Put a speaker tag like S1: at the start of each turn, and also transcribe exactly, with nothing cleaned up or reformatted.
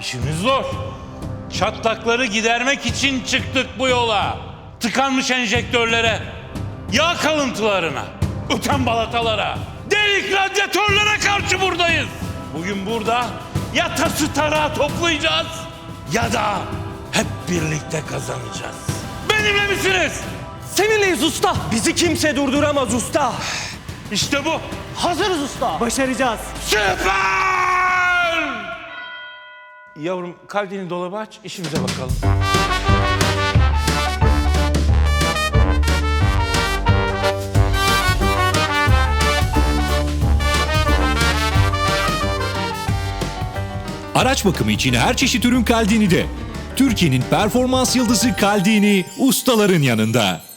S1: İşimiz zor. Çatlakları gidermek için çıktık bu yola. Tıkanmış enjektörlere, yağ kalıntılarına, öten balatalara, delik radyatörlere karşı buradayız. Bugün burada ya tası tarağı toplayacağız ya da hep birlikte kazanacağız. Benimle misiniz?
S2: Seninleyiz usta. Bizi kimse durduramaz usta.
S1: İşte bu.
S2: Hazırız usta. Başaracağız.
S1: Süper! Yavrum kalbini dolabı aç, işimize bakalım.
S3: Araç bakımı için her çeşit ürün Caldini'de. Türkiye'nin performans yıldızı Caldini ustaların yanında.